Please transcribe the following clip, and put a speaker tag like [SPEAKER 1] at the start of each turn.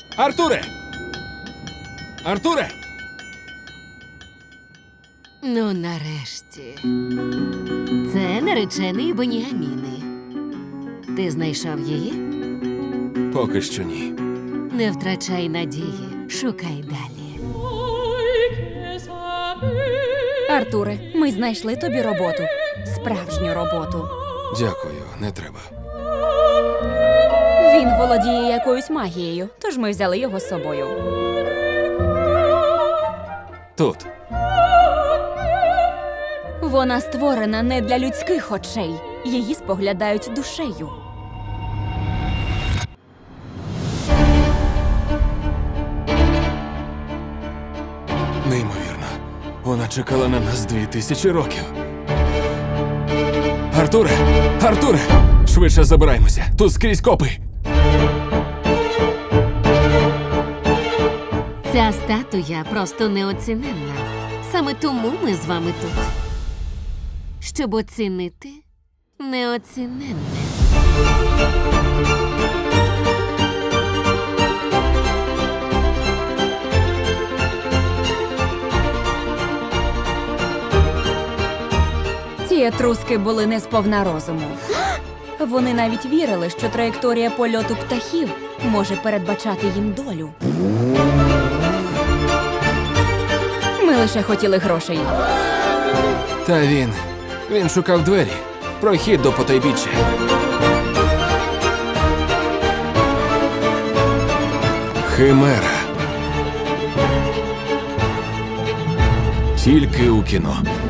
[SPEAKER 1] Артуре! Артуре!
[SPEAKER 2] Ну, нарешті. Це наречений Беніаміни. Ти знайшов її?
[SPEAKER 1] Поки що ні.
[SPEAKER 2] Не втрачай надії, шукай далі.
[SPEAKER 3] Артуре, ми знайшли тобі роботу. Справжню роботу.
[SPEAKER 1] Дякую, не треба.
[SPEAKER 3] Він володіє якоюсь магією, тож ми взяли його з собою.
[SPEAKER 1] Тут.
[SPEAKER 3] Вона створена не для людських очей. Її споглядають душею.
[SPEAKER 1] Неймовірно. Вона чекала на нас 2000 років. Артуре! Артуре! Швидше забираємося. Тут скрізь копи.
[SPEAKER 2] Ця статуя просто неоціненна. Саме тому ми з вами тут. Щоб оцінити неоціненне.
[SPEAKER 3] Ці етруски були не сповна розуму. Вони навіть вірили, що траєкторія польоту птахів може передбачати їм долю. Ми лише хотіли грошей.
[SPEAKER 1] Та він шукав двері. Прохід до потайбіччя. Химера. Тільки у кіно.